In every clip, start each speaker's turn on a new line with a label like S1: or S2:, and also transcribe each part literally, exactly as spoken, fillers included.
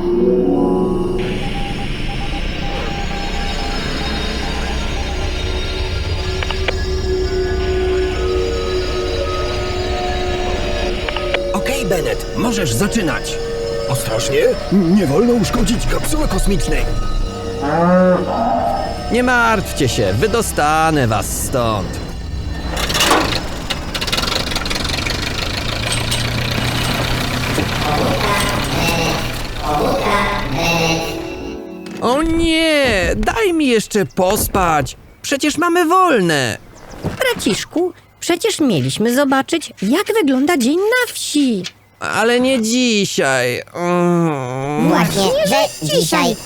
S1: Okej, Bennett, możesz zaczynać.
S2: Ostrożnie, nie wolno uszkodzić kapsuły kosmicznej.
S3: Nie martwcie się, wydostanę was stąd. O nie, daj mi jeszcze pospać. Przecież mamy wolne.
S4: Braciszku, przecież mieliśmy zobaczyć, jak wygląda dzień na wsi.
S3: Ale nie dzisiaj. Mm.
S5: Właśnie, że dzisiaj.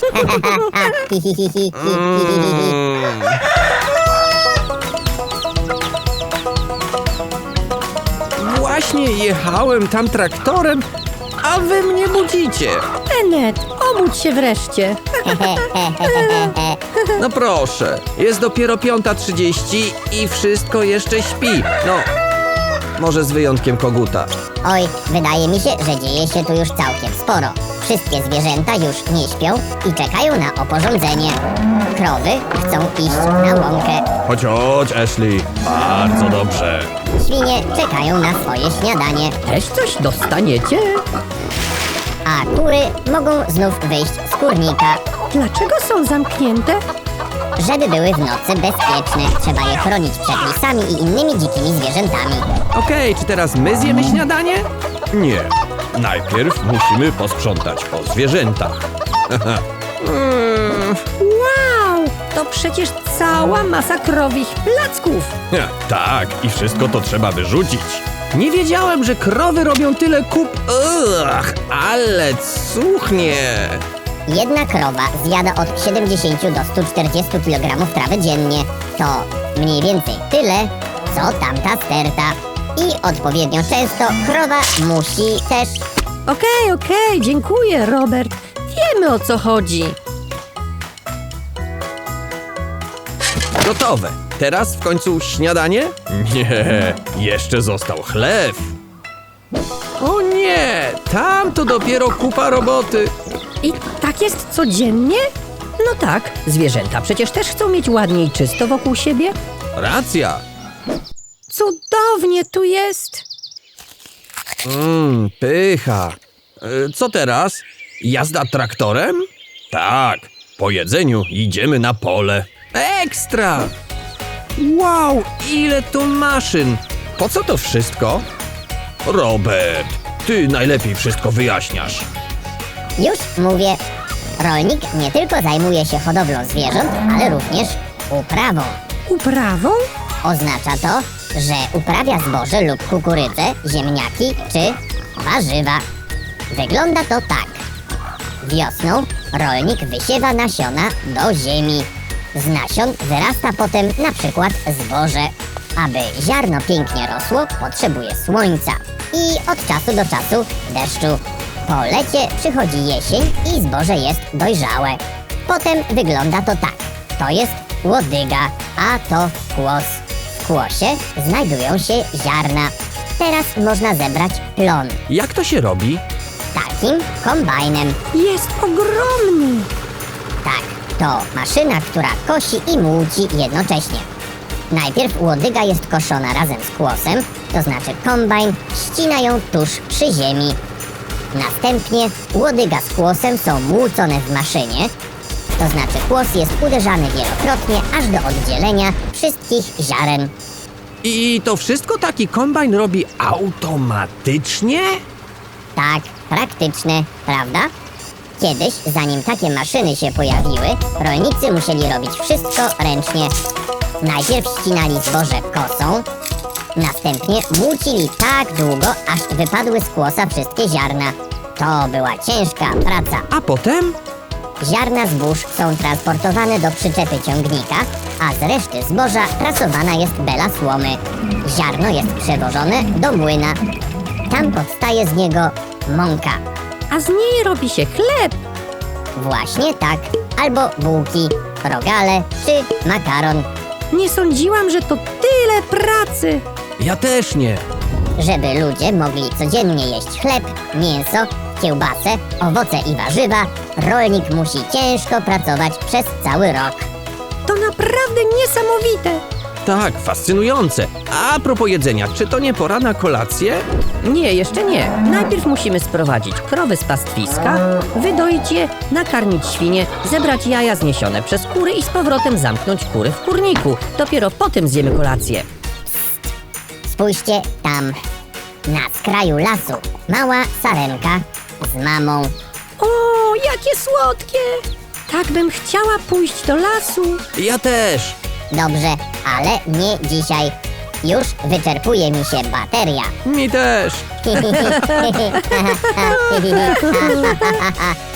S3: Właśnie jechałem tam traktorem, a wy mnie budzicie.
S4: Bennett, obudź się wreszcie.
S3: No proszę, jest dopiero piąta trzydzieści i wszystko jeszcze śpi. No, może z wyjątkiem koguta.
S5: Oj, wydaje mi się, że dzieje się tu już całkiem sporo. Wszystkie zwierzęta już nie śpią i czekają na oporządzenie. Krowy chcą iść na łąkę.
S3: Chodź, chodź, Ashley. Bardzo dobrze.
S5: Świnie czekają na swoje śniadanie.
S4: Też coś dostaniecie?
S5: A kury mogą znów wyjść z kurnika.
S4: Dlaczego są zamknięte?
S5: Żeby były w nocy bezpieczne, trzeba je chronić przed lisami i innymi dzikimi zwierzętami.
S3: Okej, czy teraz my zjemy śniadanie? Nie. Najpierw musimy posprzątać po zwierzętach.
S4: Mm, wow, to przecież cała masa krowich placków.
S3: Tak, i wszystko to trzeba wyrzucić. Nie wiedziałem, że krowy robią tyle kup... Ugh, ale cuchnie.
S5: Jedna krowa zjada od siedemdziesięciu do stu czterdziestu kilogramów trawy dziennie. To mniej więcej tyle, co tamta sterta. I odpowiednio często krowa musi też...
S4: Okej, okej, dziękuję, Robert. Wiemy, o co chodzi.
S3: Gotowe. Teraz w końcu śniadanie? Nie, jeszcze został chleb. O nie, tam to dopiero kupa roboty.
S4: I tak jest codziennie? No tak, zwierzęta przecież też chcą mieć ładnie i czysto wokół siebie.
S3: Racja.
S4: Cudownie tu jest.
S3: Mmm, pycha. E, Co teraz? Jazda traktorem? Tak, po jedzeniu idziemy na pole. Ekstra! Wow, ile tu maszyn! Po co to wszystko? Robert, ty najlepiej wszystko wyjaśniasz.
S5: Już mówię, rolnik nie tylko zajmuje się hodowlą zwierząt, ale również uprawą.
S4: Uprawą?
S5: Oznacza to, że uprawia zboże lub kukurydzę, ziemniaki czy warzywa. Wygląda to tak. Wiosną rolnik wysiewa nasiona do ziemi. Z nasion wyrasta potem na przykład zboże. Aby ziarno pięknie rosło, potrzebuje słońca i od czasu do czasu deszczu. Po lecie przychodzi jesień i zboże jest dojrzałe. Potem wygląda to tak. To jest łodyga, a to kłos. W kłosie znajdują się ziarna. Teraz można zebrać plon.
S3: Jak to się robi?
S5: Takim kombajnem.
S4: Jest ogromny.
S5: Tak, to maszyna, która kosi i młóci jednocześnie. Najpierw łodyga jest koszona razem z kłosem, to znaczy kombajn ścina ją tuż przy ziemi. Następnie łodyga z kłosem są młócone w maszynie, to znaczy kłos jest uderzany wielokrotnie aż do oddzielenia wszystkich ziaren.
S3: I to wszystko taki kombajn robi automatycznie?
S5: Tak, praktyczne, prawda? Kiedyś, zanim takie maszyny się pojawiły, rolnicy musieli robić wszystko ręcznie. Najpierw ścinali zboże kosą, następnie młócili tak długo, aż wypadły z kłosa wszystkie ziarna. To była ciężka praca.
S3: A potem?
S5: Ziarna zbóż są transportowane do przyczepy ciągnika, a z reszty zboża prasowana jest bela słomy. Ziarno jest przewożone do młyna. Tam powstaje z niego mąka.
S4: A z niej robi się chleb.
S5: Właśnie tak. Albo bułki, rogale czy makaron.
S4: Nie sądziłam, że to tyle pracy.
S3: Ja też nie.
S5: Żeby ludzie mogli codziennie jeść chleb, mięso, kiełbasę, owoce i warzywa, rolnik musi ciężko pracować przez cały rok.
S4: To naprawdę niesamowite.
S3: Tak, fascynujące. A propos jedzenia, czy to nie pora na kolację?
S4: Nie, jeszcze nie. Najpierw musimy sprowadzić krowy z pastwiska, wydoić je, nakarmić świnie, zebrać jaja zniesione przez kury i z powrotem zamknąć kury w kurniku. Dopiero potem zjemy kolację.
S5: Spójrzcie tam, na skraju lasu, mała sarenka z mamą.
S4: O, jakie słodkie! Tak bym chciała pójść do lasu.
S3: Ja też.
S5: Dobrze, ale nie dzisiaj. Już wyczerpuje mi się bateria.
S3: Mi też.